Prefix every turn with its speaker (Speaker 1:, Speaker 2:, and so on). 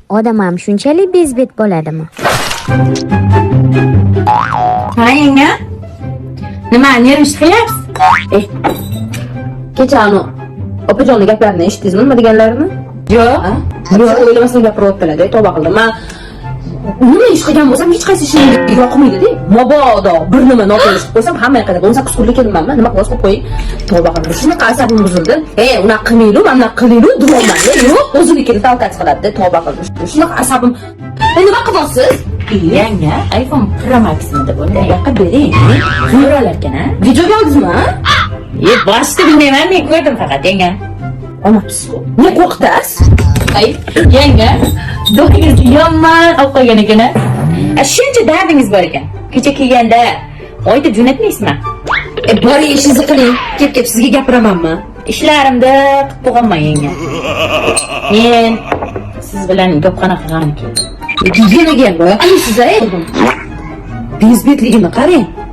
Speaker 1: Odam ham shunchalik bezbet bo'ladimi?
Speaker 2: Ha yenga? Nima, nervish qilyapsiz?
Speaker 3: Kecha opajonning gaplarini eshitdingizmi, nima deganlarini?
Speaker 2: Yo'q.
Speaker 3: Yo'q, o'ylamasdan gapiryaptilar-da, tavba qildim. Men nima ish qilgan bo'lsam, hech qaysi ishim yoqmaydi-da. Mabodo bir nima noto'g'ri qilib qo'ysam, hamma yoqda 18 kunlik kelmanman, nima qilasiz qo'yib qo'ying. Tavba qildim. Shunaqa asabim buzildi. Unaqa qilmaylu, mana qilaylu, deyapman-da. Yo'q, o'zinikini talqat qiladi-da, tavba qildim. Shunaqa asabim. Nima qilyapsiz?
Speaker 2: Yanga, iPhone Pro Max'ni deb yoqqa bering. Zo'ralarkan-a?
Speaker 3: Videoga oldingizmi?
Speaker 2: Boshida bilmayman, men ko'rdim faqat yanga.
Speaker 3: Olmabsiz-ku. Nima qo'rqitasiz?
Speaker 2: Yanga, do'qingiz yomon olib qo'ygan ekan-a? Shuncha dardingiz bor ekan. Kecha kelganda oyda jo'natmaysizmi?
Speaker 3: Boring, ishingizni qiling. Kelib sizga gapiramanmi?
Speaker 2: Ishlarimda qilib qo'yganman yanga. Men siz bilan gapxona qilganim keldim.
Speaker 3: Deganiga ham boya qilasiz-a? Bezbetligini qarang.